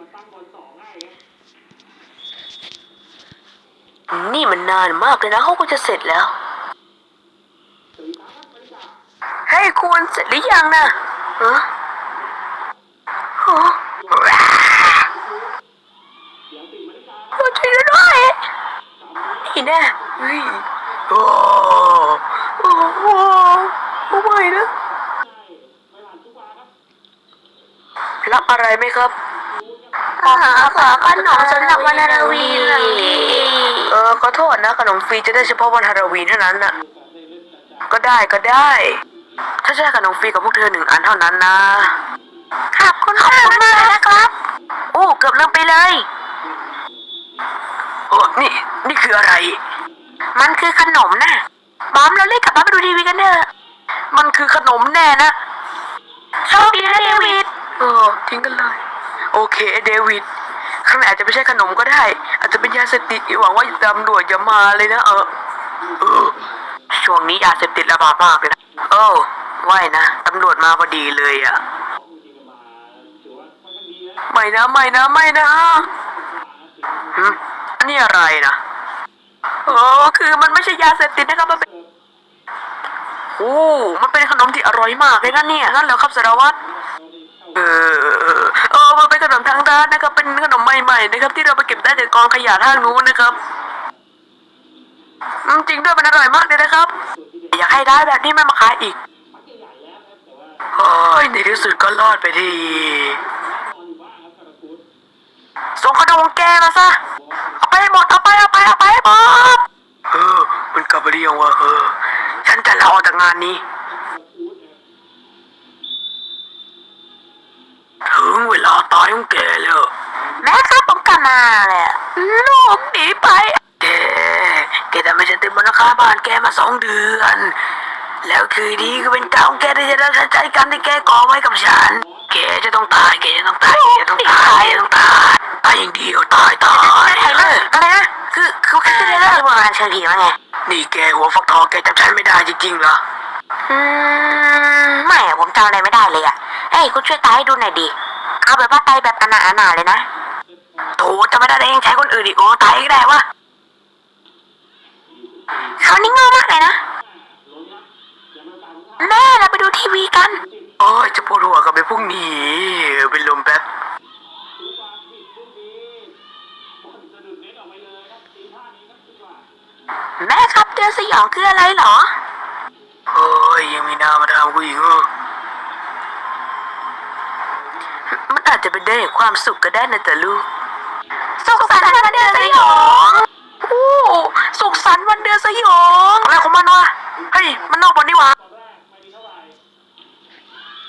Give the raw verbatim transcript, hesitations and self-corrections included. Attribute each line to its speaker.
Speaker 1: นี่มันนานมากเลยนะเขาก็จะเสร็จแล้วเฮ้ยคุณเสร็จหรือยังนะฮะฮะช่วยด้วยนี่แน่เฮ้ยโอ้โอ้โหไม่นะรับอะไรไหมครับขอขอขนมสำหรับวันฮาโลวีนเออขอโทษนะขนมฟรีจะได้เฉพาะวันฮาโลวีนเท่านั้นน่ะก็ได้ก็ได้ถ้าใช่ขนมฟรีกับพวกเธอหนึ่งอันเท่านั้นนะขอบคุณขอบคุณมากนะครับโอ้เกือบลืมไปเลยโอ้นี่นี่คืออะไรมันคือขนมนะบอมเราเล่นกับบ้านไปดูทีวีกันเถอะมันคือขนมแน่นะโชคดีนะเดวิดเออทิ้งกันเลยโอเคเดวิดข้างในอาจจะไม่ใช่ขนมก็ได้อาจจะเป็นยาเสพติดหวังว่าตำรวจอย่ามาเลยนะเออเออช่วงนี้ยาเสพติดระบาดมากเลยนะโอ้ว่ายนะตำรวจมาพอดีเลยอ่ะไม่นะไม่นะไม่นะฮึอันนี้อะไรนะโอ้คือมันไม่ใช่ยาเสพติดนะครับมันเป็นโอ้มันเป็นขนมที่อร่อยมากเลยนะเนี่ยนั่นเหรอครับสารวัตรเออเออมันเป็นขนมทางร้านนะครับเป็นขนมใหม่ๆนะครับที่เราไปเก็บได้จากกองขยะทางนู้นนะครับจริงด้วยมันอร่อยมากเลยนะครับอยากให้ได้แบบนี้มันมาขายอีกโอ้ยในที่สุดก็รอดไปทีส่งขนมแกมาซะเอาไปหมดเอาไปเอาไปเอาไปหมดเออมันกลับไปเรียงว่าเออฉันจะลาออกจากงานนี้ถึงเวลาตายของแกแล้วแม่ครับผมกลับมาแหละลูกหนีไปแกแกทำให้ฉันติดบนราคาบ้านแกมาสองเดือนแล้วคืนนี้ก็เป็นกรรมแกที่จะได้ใช้กรรมที่แกก่อไว้กับฉันแกจะต้องตายแกจะต้องตายแกจะต้องตายแกจะต้องตายตายอย่างเดียวตายตายอะไรนะคือคือแค่เรื่องโบราณเชิงผีว่าไงนี่แกหัวฟักทองแกจำฉันไม่ได้จริงๆเหรออืมไม่อะผมจำอะไรไม่ได้เลยอะเฮ้ยคุณช่วยตายให้ดูหน่อยดิเอาแบบว่าตายแบบอนาอนาเลยนะโถจะไม่ได้เองใช้คนอื่นอีกโอ้ตายก็ได้วะเขานี่โง่มากเลยนะแม่เราไปดูทีวีกันโอ้ยจะปวดหัวกับไปพรุ่งนี้เป็นลมแป๊บแม่ครับเดือนสยองคืออะไรเหรอโอ้ยยังมีนามาทำกูอีกเหรอมันอาจจะเป็นได้ความสุขก็ได้นะแต่ลูกสุขสันต์วันเดือนสยองโอ้สุขสันต์วันเดือนสยองอะไรของมันวะเฮ้ยมันนอกบอลนี่วะ